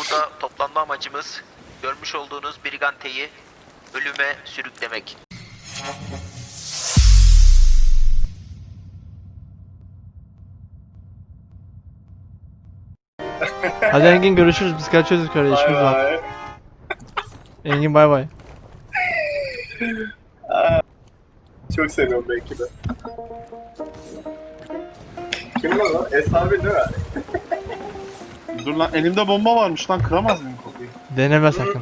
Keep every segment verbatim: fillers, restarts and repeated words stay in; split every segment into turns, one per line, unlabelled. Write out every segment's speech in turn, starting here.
Burada toplanma amacımız görmüş olduğunuz Brigante'yi ölüme sürüklemek.
Hadi Engin görüşürüz, biz kaçıyoruz yukarıya, işimiz
Bay
var.
bay.
Engin bay bay.
Çok seviyorum belki de. Kim lan o? Eshabi değil mi?
Dur lan, elimde bomba varmış lan, kıramaz mıyım kapıyı?
Deneme sakın.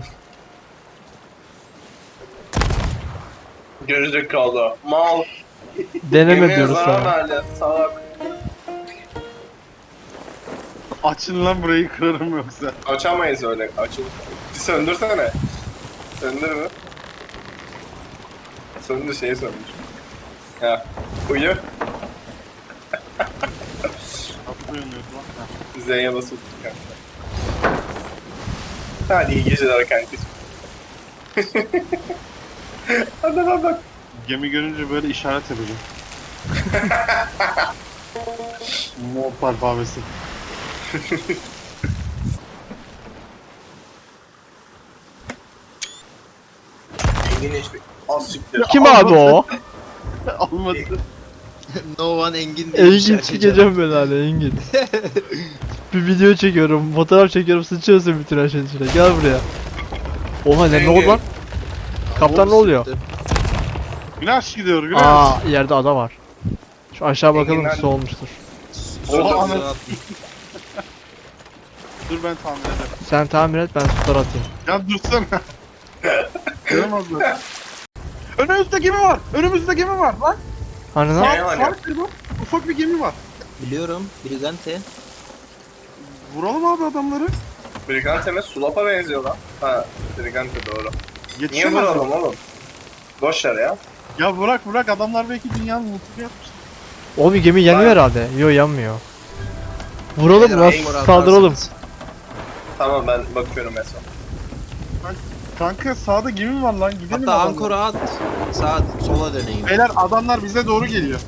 Görecek kaldı. Mal.
Deneme
Yemeğe
diyoruz
zarar
sana.
verdi. Salak.
Açın lan burayı, kırarım yoksa.
Açamayız öyle. Açın. Bir söndürsene. Söndür mü? Söndür, şeyi söndür. Ya. Uyu.
Kapı yanıyordu lan. Ha.
Z'ye basıp tut kanka. Hadi iyi geceler kanka. Hadi bak bak.
Gemi görünce böyle işaret yapacağım. Mop alfabesi.
Engin hiçbir... Az siktir.
Kim abi o?
Almadı.
No one Engin diye bir
Engin
şey
çıkacağım ben hala Engin. Bir video çekiyorum, fotoğraf çekiyorum, sıçıyorsun bütün her şeyin içine. Gel buraya. Oha ne, ne oldu lan? Kaptan ne oluyor?
Güneş gidiyor, güneş.
Aa yerde ada var. Şu aşağı bakalım,
Enginler-
su olmuştur.
Oha,
Oha,
ana- Dur ben tahmin ederim.
Sen tamir et, ben sular atayım.
Ya dursana. Kıramazlar. Önümüzde gemi var. Önümüzde gemi var lan.
Hani lan?
Ne
Sağ,
var
sağ
ya?
kırma. Ufak bir gemi var.
Biliyorum. Brigante.
Vuralım abi adamları.
Brigante'me Sulap'a benziyor lan. Ha, Brigante doğru. Niye
Yetişemez.
vuralım oğlum? Boş ver ya.
Ya bırak bırak, adamlar belki dünyanın mutlu yapmışlar.
Oğlum bir gemi yanıyor herhalde. Yo yanmıyor. Vuralım
Beyler,
lan,
en-
saldıralım.
Tamam, ben bakıyorum en son.
Kanka sağda gemi var lan, gidelim.
Hatta
adamlara.
ankora at. Sağa sola döneyim.
Beyler adamlar bize doğru geliyor.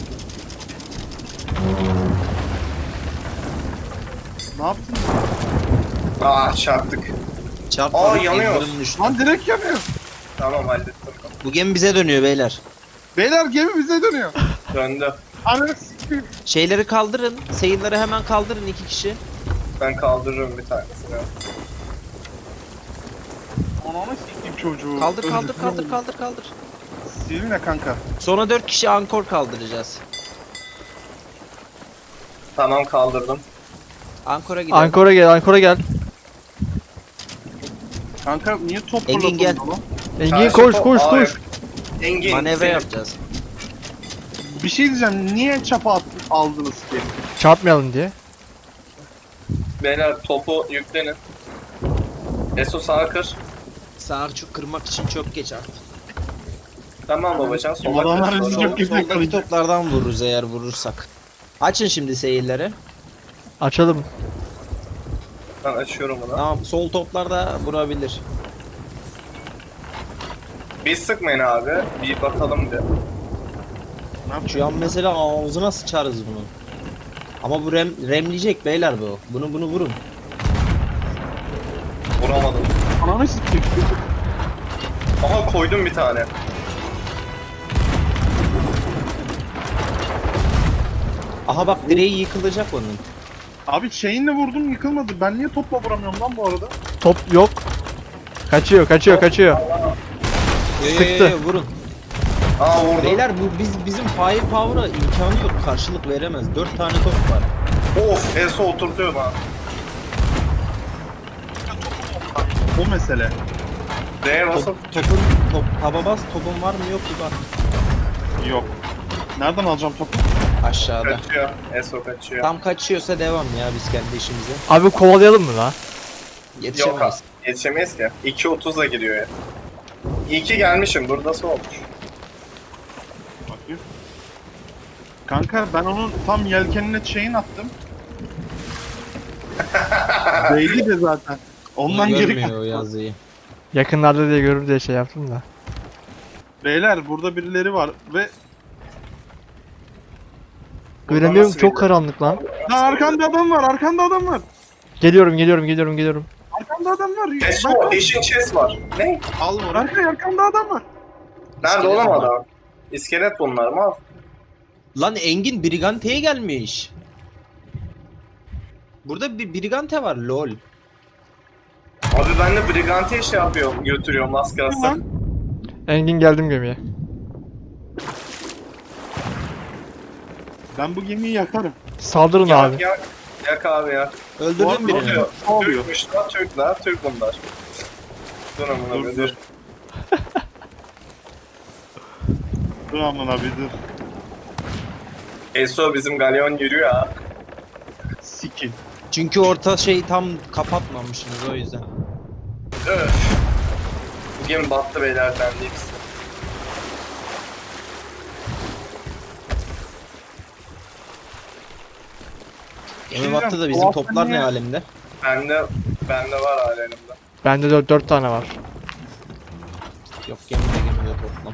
Ne yaptın?
Aa, çarptık.
Çarpma.
Aa, yanıyor.
Lan direkt yanıyor.
Tamam, hallettim.
Bu gemi bize dönüyor beyler.
Beyler gemi bize dönüyor.
Döndü.
Ananı s**eyim.
Şeyleri kaldırın. Seyirleri hemen kaldırın iki kişi.
Ben kaldırırım bir tanesini.
Ananı s**eyim çocuğu.
Kaldır kaldır
Öldürdüm
kaldır
oğlum.
kaldır kaldır.
Silin ne kanka?
Sonra dört kişi ankor kaldıracağız.
Tamam, kaldırdım.
Ankora gidelim.
Ankara gel, Ankara gel.
Kanka niye top
Engin
fırlatıyorsun
gel.
lan?
Engin
Karşı
koş
top-
koş
Aa,
koş.
yok. Engin.
Manevra
senin-
yapacağız.
Bir şey diyeceğim, niye çapa at- aldınız ki?
Çarpmayalım diye.
Beyler topu yüklenin. Eso sağa kır.
Sağa çok kırmak için çok geç artık.
Tamam babacan, sola
Adamlar
kır.
bizi
Sonra-
çok- Biz
Soldaki
yakalayacağız.
toplardan vururuz eğer vurursak. Açın şimdi seyirleri.
Açalım.
Ben açıyorum bunu.
Tamam, sol toplarda vurabilir.
Bir sıkmayın abi. Bir bakalım bir.
Ne yapacağız?
Şu an mesela ağzına sıçarız bunu. Ama bu rem, remleyecek beyler bu. Bunu bunu vurun.
Vuramadım.
Ananı s**eyim.
Aha, koydum bir tane.
Aha bak direği yıkılacak onun.
Abi şeyinle vurdum, yıkılmadı. Ben niye topla vuramıyorum lan bu arada?
Top yok. Kaçıyor, kaçıyor, kaçıyor. Sıktı.
Yo, yo, yo, vurun.
Aa, vurdum.
Beyler bu biz bizim firepower'a imkanı yok. Karşılık veremez. Dört tane top var.
Of, Eso oturtuyor bana.
O mesele.
D'ye basıp.
Top, topun top taba bas. Topun var mı yok bir bak.
Yok. Nereden alacağım topu?
Aşağıda.
Kaçıyor. Eso kaçıyor.
Tam kaçıyorsa devam ya biz kendi işimize.
Abi kovalayalım mı la?
Yok abi.
Yetişemeyiz.
Yetişemeyiz ki. iki otuzla giriyor ya. İyi ki gelmişim. Buradası olmuş.
Bakayım. Kanka ben onun tam yelkenine chain attım. Değdi de zaten. Ondan
Bunu
geri
görmüyor o
kaçtı.
yazıyı.
Yakınlarda diye görür diye şey yaptım da.
Beyler burada birileri var ve...
Göremiyorum,
nasıl
çok
geliyor?
karanlık lan.
Lan arkanda adam var, arkanda adam var.
Geliyorum, geliyorum, geliyorum, geliyorum.
Arkamda adam var.
Eso,
Bak,
Eşin chest var. Ne?
Al onu.
Berkay arkamda adam var.
Nerede
İskelet
oğlum
bunlar.
adam? İskelet bunlar mı? Al.
Lan Engin Brigante'ye gelmiş. Burada bir Brigante var lol.
Abi ben de Brigante şey yapıyorum, götürüyorum az kalsın.
Lan.
Engin geldim gemiye.
Ben bu gemiyi yakarım.
Saldırın
Yak,
abi.
yak, yak abi yak.
Bu
Öldürdüm
arada
birini.
Oluyor.
Ne oluyor?
Türkmüş lan, Türk lan, Türk bunlar. Dur amına
Dur,
bir
dur.
dur.
Dur aman abi dur.
Eso bizim galyon yürüyor ha.
Sikin.
Çünkü orta şey tam kapatmamışsınız o yüzden.
Öf. Bu gemi battı beyler, ben değil size.
Gemi battı da bizim
Doğal
toplar ne
niye-
alemde?
Bende, bende var hala elimde.
Bende dört, dört tane var.
Yok gemide gemide toplam.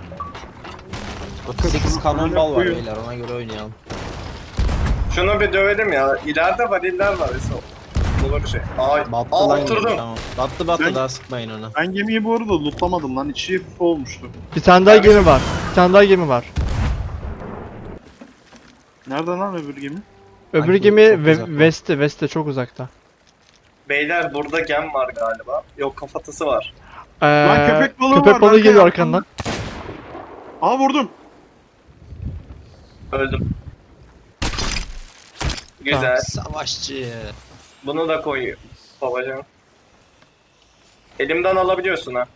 otuz sekiz
şunu
kanonbal
önüne
var
koyun.
beyler ona göre oynayalım.
Şunu bir dövelim ya. İleride variller var Eso. Olur bir şey. Ay,
Battı
aa,
lan gemi
oturdum.
tamam. Battı battı
Ben-
daha sıkmayın ona.
Ben gemiyi bu arada lootlamadım lan. İçi full olmuştu.
Bir tane daha
Evet.
gemi var. Bir tane daha gemi var.
Nerede lan öbür gemi?
Öbür
Ay,
gemi
çok
ve
uzakta.
West'te, West'te çok uzakta.
Beyler burada gem var galiba. Yok, kafatası var.
Ee,
Lan köpek balığı
köpek
var,
balığı
Berkay
geliyor
arkamda.
arkandan.
Aa vurdum.
Öldüm. Güzel.
Savaşçı.
Bunu da koy babacığım. Elimden alabiliyorsun ha.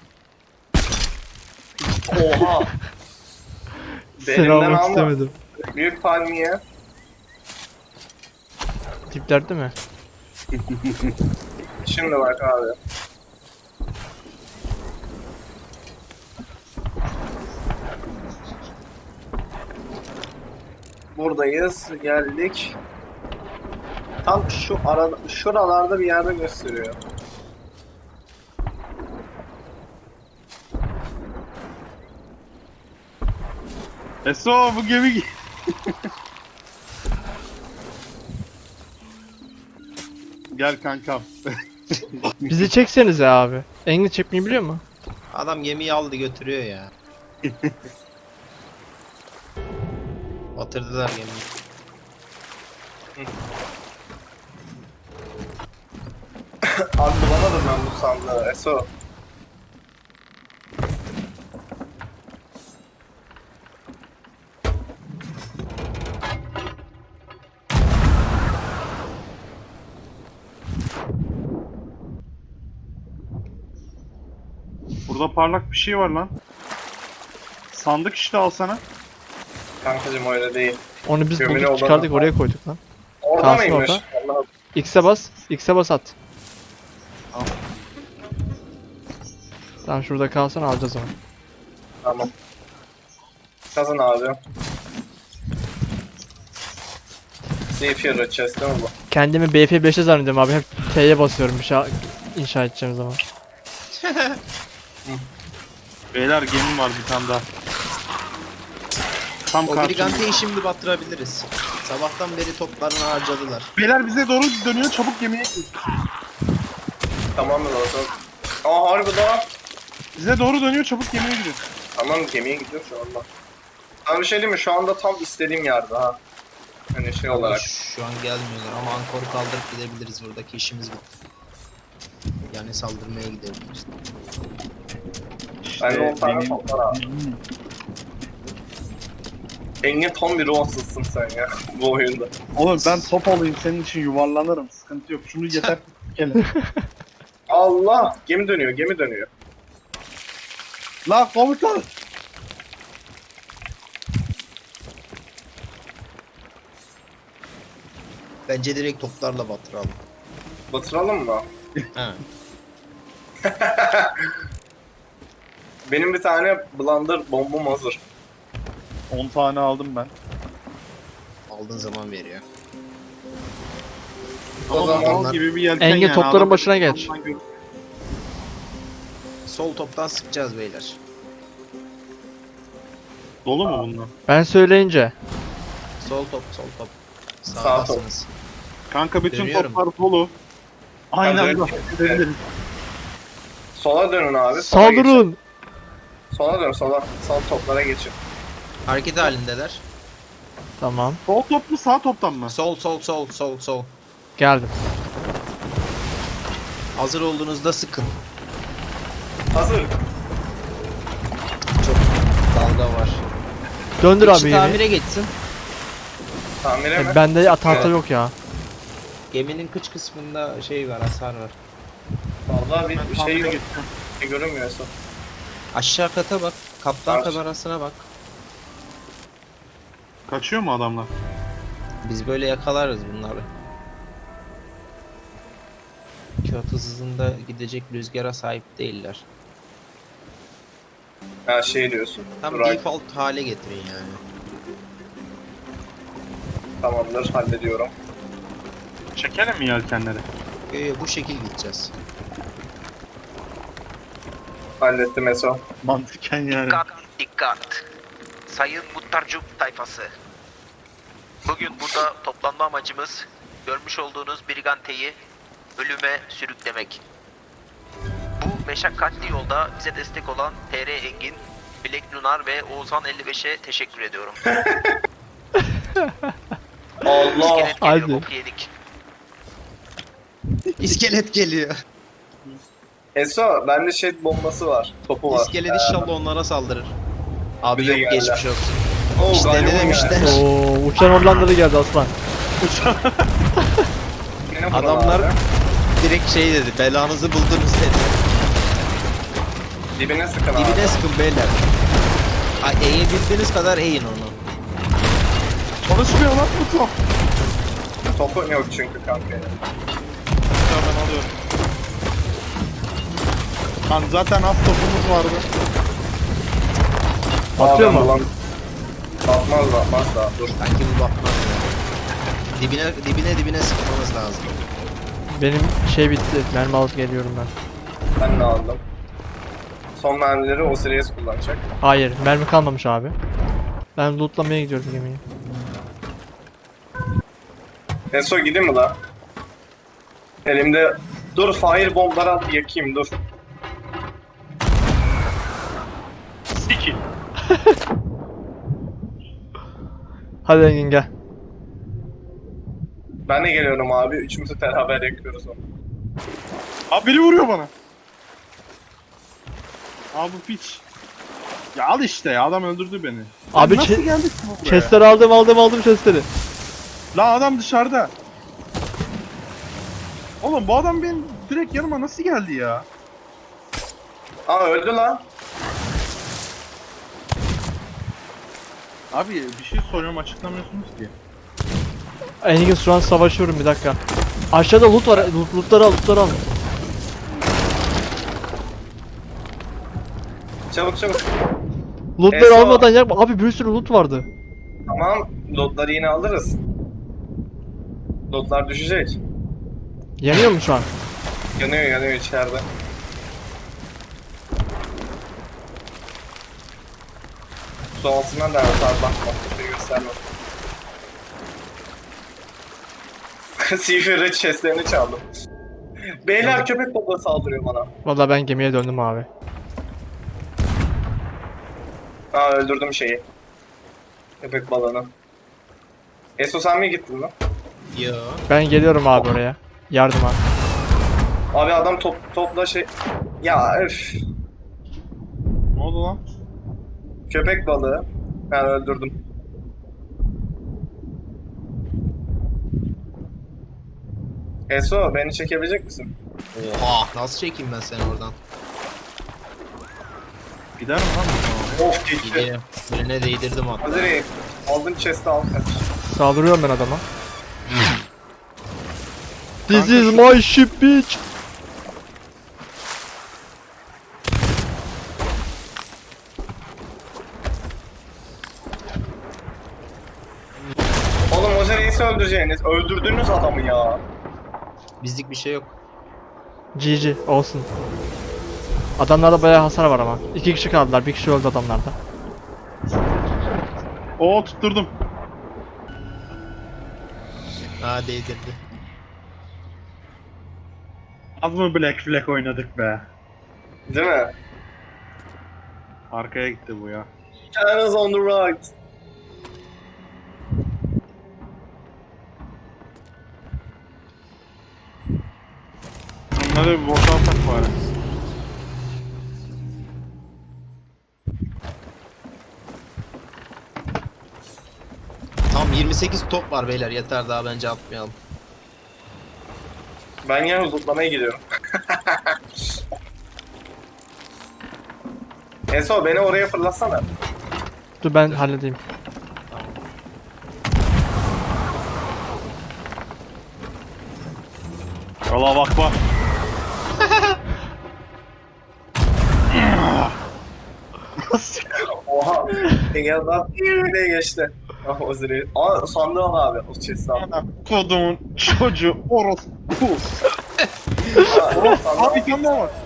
Oha.
Seni
Elimden
almak
alma.
istemedim.
Büyük palmiye.
Tiplerde mi?
Şimdi bak abi. Buradayız. Geldik. Tam şu arada, şuralarda bir yerde gösteriyor.
Eso bu gemi... Gel kankam.
Bizi çeksenize abi. Engin çekmeyi biliyor mu?
Adam gemiyi aldı götürüyor ya. Batırdılar gemiyi.
Abi bulamadım ben bu sandığı. Eso.
Burada parlak bir şey var lan. Sandık işte alsana.
Kankacım öyle değil.
Onu biz
Gömülü
bulduk
olan-
çıkardık oraya koyduk lan.
Orada
Kalsın
mıymış?
orada.
Allah'ım.
X'e bas. X'e bas at.
Al.
Tamam şurada kalsın alacağız onu.
Tamam. Kazın abi. Zephyr chest değil mi bu?
Kendimi B F beşe zannediyorum abi. Hep T'ye basıyorum bir şey inşa edeceğim zaman.
Beyler gemim var bir tane daha. Tam
O
karşımda.
Brigante'yi şimdi batırabiliriz. Sabahtan beri toplarını harcadılar.
Beyler bize doğru dönüyor, çabuk gemiye gir.
Tamam mı zaten? Aa harbi daha.
Bize doğru dönüyor, çabuk gemiye girin.
Tamam, gemiye gidiyor şu anda. Sana bir şey diyeyim mi? Şu anda tam istediğim yerde ha. Hani şey olarak.
Şu an gelmiyorlar ama ankoru kaldırıp gidebiliriz, buradaki işimiz bitti. Yani saldırmaya gidebiliriz.
Ben de on tane
benim-
top var abi. Engin tam bir ruhsuzsun sen ya bu oyunda.
Oğlum ben top alayım, senin için yuvarlanırım. Sıkıntı yok. Şunu yeter ki
Allah! Gemi dönüyor, gemi dönüyor.
La komutan!
Bence direkt toplarla batıralım.
Batıralım mı?
He.
Benim bir tane blunder bombum hazır.
on tane aldım ben.
Aldığın zaman veriyor.
O
Ama
zaman
mal gibi bir yelken
Engin
yani,
topların
adam-
başına geç.
Sol toptan sıkacağız beyler.
Dolu mu bunlar?
Ben söyleyince.
Sol top, sol top.
Sağ top.
Sağdasınız.
Kanka bütün
Dönüyorum.
toplar dolu. Aynı
Hadi
anda
önce-
gidebiliriz.
Sola dönün abi. sola geçin.
Saldırın.
Sola dön sola. Sol toplara geçin.
Hareket halindeler.
Tamam.
Sol top mu sağ toptan mı?
Sol sol sol sol sol.
Geldim.
Hazır olduğunuzda sıkın.
Hazır.
Çok dalga var.
Döndür
Bir
abi
kişi
gemiyi.
tamire geçsin.
Tamire mi?
E, Bende tahta
Evet.
yok ya.
Geminin kıç kısmında şey var, hasar var.
Vallahi bir,
Ben
bir şey
tamire
yok.
geçtim.
Bir şey görünmüyor son.
Aşağı kata bak. Kaptan
Var.
kamerasına bak.
Kaçıyor mu adamlar?
Biz böyle yakalarız bunları. Kağıt hızında gidecek rüzgara sahip değiller.
Ha şey diyorsun.
Tam
Durak.
default hale getirin yani.
Tamamdır hallediyorum.
Çekelim mi yelkenleri?
Ee, bu şekil gideceğiz.
Hallettim Eso.
Mantıken yani.
Dikkat, dikkat. Sayın Muhtarcuk tayfası. Bugün burada toplanma amacımız görmüş olduğunuz Brigante'yi ölüme sürüklemek. Bu meşakkatli yolda bize destek olan T R Engin, Black Lunar ve Oğuzhan elli beşe teşekkür ediyorum.
Allah.
İskelet geliyor,
Hadi.
bok yedik.
İskelet geliyor.
Eso bende şey bombası var. Topu var.
İskelet inşallah onlara saldırır. Abi
Bize
yok
geldi.
geçmiş olsun.
Oo,
İşte
galiba
ne demişler?
Oo, uçan Hollandalı geldi aslan.
Yine buralar
Adamlar
abi.
direkt şey dedi, belanızı buldunuz dedi.
Dibine sıkın abi.
Dibine sıkın beyler. Ha, eğebildiğiniz kadar eğin onu.
Çalışmıyor lan bu top.
Topu yok çünkü kanka.
Ya ben alıyorum. Lan zaten az topumuz vardı.
Atıyor
Aa, ben
mu?
bulam- Atmaz da atmaz da dur.
Sanki bu bakmaz ya. Dibine dibine dibine sıkmamız lazım.
Benim şey bitti. Mermi alıp geliyorum ben.
Ben de aldım. Son mermileri Osiris kullanacak.
Hayır, mermi kalmamış abi. Ben lootlamaya gidiyorum gemiyi.
Eso gideyim mi la? Elimde... Dur fire bombları al yakayım dur.
Siki.
Hadi Engin gel.
Ben de geliyorum abi. Üçümüzü beraber yakıyoruz onu.
Abi biri vuruyor bana. Abi bu piç. Ya al işte ya adam öldürdü beni.
Abi
Lan nasıl
çe-
geldik bu buraya?
Chestleri aldım aldım aldım chestleri.
La adam dışarıda. Oğlum bu adam benim direkt yanıma nasıl geldi ya?
Aa öldü lan.
Abi bir şey soruyorum açıklamıyorsunuz ki.
Engin şu an savaşıyorum bir dakika. Aşağıda loot var. Loot, lootları al lootları al.
Çabuk çabuk.
Lootları
Eso.
almadan yapma. Abi bir sürü loot vardı.
Tamam. Lootları yine alırız. Lootlar düşecek.
Yanıyor mu şu an?
Yanıyor yanıyor içeride. Su altından da atar bakma. Bir gösterme. Seafarer'ın chestlerini çaldım. Beyler köpek balığı saldırıyor bana.
Vallahi ben gemiye döndüm abi.
Aa öldürdüm şeyi. Köpek balığını. Eso sen mi gittin lan?
Yo.
Ben geliyorum abi oraya. Yardıma.
Abi adam top, topla şey... Ya öf.
Ne oldu lan?
Köpek balığı. Ben öldürdüm. Eso beni çekebilecek misin?
Oha. Nasıl çekeyim ben seni oradan?
Gider mi lan bu zaman?
Of gitti.
Gidiyor. Birine değdirdim hatta.
Hazır aldın chest'i al kaç.
Saldırıyorum ben adama. This is my ship bitch.
Oğlum Osiris'i öldüreceğiniz. Öldürdünüz adamı ya.
Bizlik bir şey yok.
G G olsun. Adamlarda bayağı hasar var ama. İki kişi kaldılar. Bir kişi öldü adamlarda.
Oo tutturdum.
Ha değdirdi.
Az mı Black Flag oynadık be?
Değil mi?
Arkaya gitti bu ya.
China's on the right.
Onları bir boşaltak bari.
Tam yirmi sekiz top var beyler, yeter daha bence atmayalım.
Ben yine zıplamaya gidiyorum. Enso beni oraya fırlatsana.
Dur ben halledeyim.
Yola bak bak.
Oha. Engel'dan nereye geçti? Ah o zirveyi. Aa sandığı al abi. O chest'i al.
Ana kodumun çocuğu orospu.
Aa, sandığı al.
Abi bir tane daha var.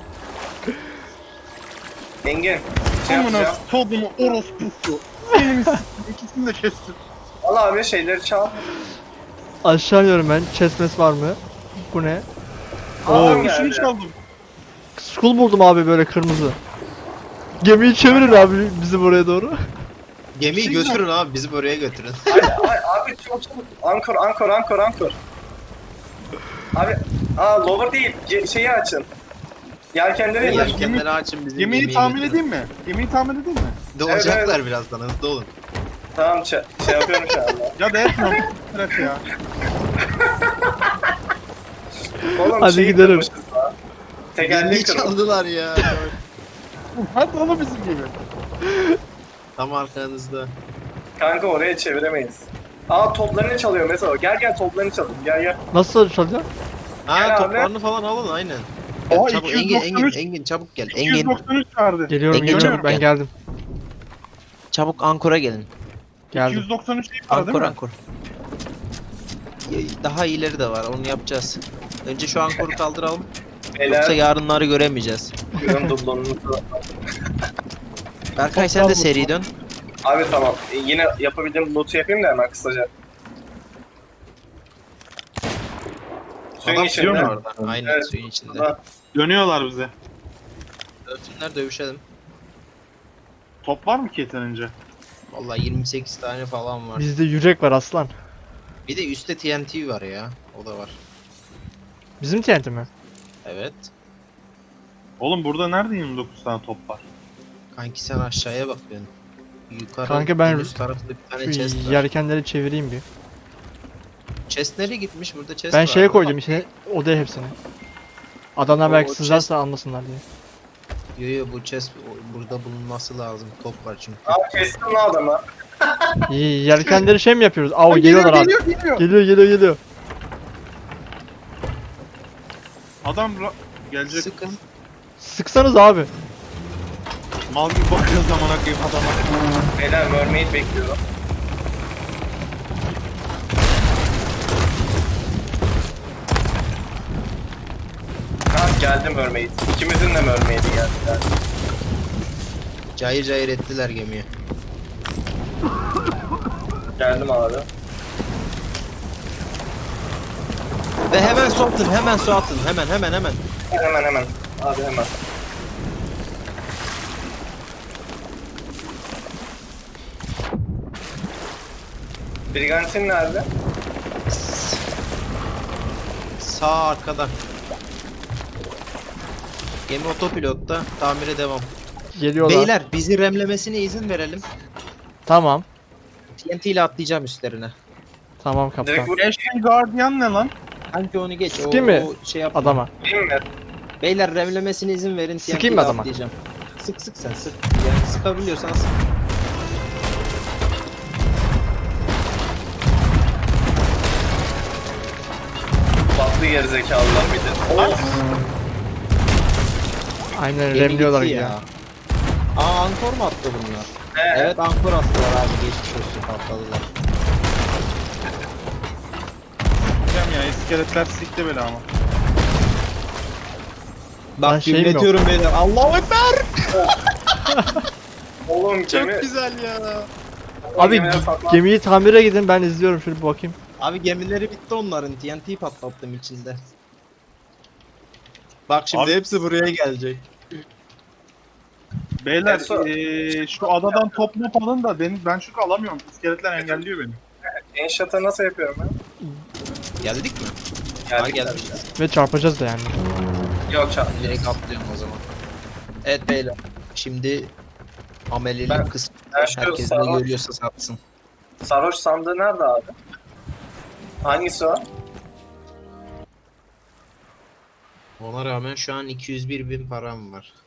Engin. Şey
Amına
yapacağım.
kodumun orospusu. Benim ikisini de kestim.
Al abi şeyleri çal.
Aşağı iniyorum ben. Chestmes var mı? Bu ne?
Adam
Oo, şunu
geldi.
çaldım.
Skull buldum abi böyle kırmızı. Gemiyi çevirin abi bizim oraya doğru.
Gemiyi
Şey
götürün abi, bizi oraya götürün.
Ay, ay, abi çabuk çabuk. Ankor ankor ankor ankor. Abi aa lower değil. Ge- şeyi açın. Yelkenleri indir.
Yelkenleri açın, bizim
Gemiyi
gemiyi
tahmin
götürün.
edeyim mi? Gemiyi tahmin edeyim mi?
Doğacaklar
Evet,
birazdan, hızlı olun.
Tamam ç- şey yapıyorum şu anda.
Ya da etmem. Evet ya.
Oğlum
Hadi
şeyi
gidelim.
kırmışız lan. Tekerleği
Gemiyi
kırmış.
çaldılar ya.
Hadi oğlum bizim gibi.
Tam arkanızda.
Kanka oraya çeviremeyiz. Aa toplarını çalıyor mesela. Gel gel toplarını çalın. Gel gel.
Nasıl çalacağım?
Gel
Ha,
abi.
toplarını falan alın aynen.
Aa,
Çabuk
iki yüz
Engin,
doksan üç.
Engin, Engin çabuk gel.
iki
Engin,
yüz doksan üç vardı.
Geliyorum
Engin
geliyorum
çabuk
ben
gel.
geldim.
çabuk Ankor'a gelin.
Geldim.
iki yüz doksan üç değil para değil
Ankor,
mi?
Ankor. Ya- Daha ileri de var, onu yapacağız. Önce şu Ankor'u kaldıralım. Yoksa
Beyler.
yarınları göremeyeceğiz.
Ürün dublonunuzu.
Berkay sen de seri dön.
Abi tamam. E, yine yapabildiğim loot'u yapayım da hemen kısaca. Suyun
Adam
içinde.
sürüyor mu orada? Aynen,
Evet.
suyun içinde.
Ha,
Dönüyorlar bize.
Dövsünler, dövüşelim.
Top var mı ki yeterince?
Vallahi yirmi sekiz tane falan var.
Bizde yürek var aslan.
Bir de üstte T N T var ya. O da var.
Bizim T N T mi?
Evet.
Oğlum burada nerede yirmi dokuz tane top var?
Kanki sen aşağıya bakıyorsun. Yukarı
Kanka ben
en üst tarafta bir tane
Şu
chest var.
yelkenleri çevireyim bir.
Chest nereye gitmiş? Burada chest
Ben
var.
şeye koydum içine odaya hepsini. Adamlar
O-
belki
o
sızarsa almasınlar diye.
Yo yo, bu chest o- burada bulunması lazım. Top var çünkü.
Abi kestim lan adamı.
İyi yelkenleri şey mi yapıyoruz? Aa
Ay,
geliyorlar abi.
geliyor, geliyor.
Geliyor geliyor geliyor.
Adam ra- gelecek.
Sıkın.
Sıksanız abi.
Mal gibi bakıyor zamana koyayım adama.
Beyler mermaid bekliyorum. Ha geldi mermaid. İkimizin de mermaid'i geldi.
Cayır cayır ettiler gemiyi.
Geldim abi.
Ve hemen su atın, hemen su atın. Hemen hemen hemen.
Hemen hemen. Abi hemen. Brigantin nerede?
Sağ arkada. Gemi otopilotta, tamire devam.
Geliyorlar.
Beyler, bizi remlemesine izin verelim.
Tamam.
T N T ile atlayacağım üstlerine.
Tamam kaptan.
Direkt vur.
Ashen Guardian ne lan?
Hangi onu geç, o,
Sıkayım mı?
o şey yapma.
Adama.
Değil mi?
Beyler remlemesine izin verin, T N T
Sıkayım
ile
mı adama?
atlayacağım. Sık sık sen sık. Yani sıkabiliyorsan sık.
Tatlı gerizekalılar bir de. Of.
Aynen
Gemi
remliyorlar
gitti
ya.
Aa, ankor mu attı bunlar?
He.
Evet, ankor attılar abi, geçmiş olsun, patladılar.
Diyeceğim ya, iskeletler sikti beni ama.
Ben
Bak
şeyim yok.
dinletiyorum beyler. Allahu Ekber!
Oğlum
Çok
gemi.
güzel ya.
Abi
Gemiye saklan.
gemiyi tamire gidin ben izliyorum şöyle bir bakayım.
Abi gemileri bitti onların. T N T patlattım içinde. Bak şimdi
Abi-
hepsi buraya gelecek.
Beyler
Eso-
eee, şu adadan top mop alın da ben, ben çünkü alamıyorum. İskeletler engelliyor beni.
Enşata nasıl yapıyorum ben?
Geldik mi? Ha
Geldik.
gelmişiz.
Ve çarpacağız da yani.
Yok çarp.
Direkt atlıyorum o zaman. Evet beyler. Şimdi amelilik
Ben-
kısmı.
Ben şu
Herkes ne
sarhoş,
görüyorsa satsın.
sarhoş sandığı nerede abi? Hangisi o?
Ona rağmen şu an iki yüz bir bin param var.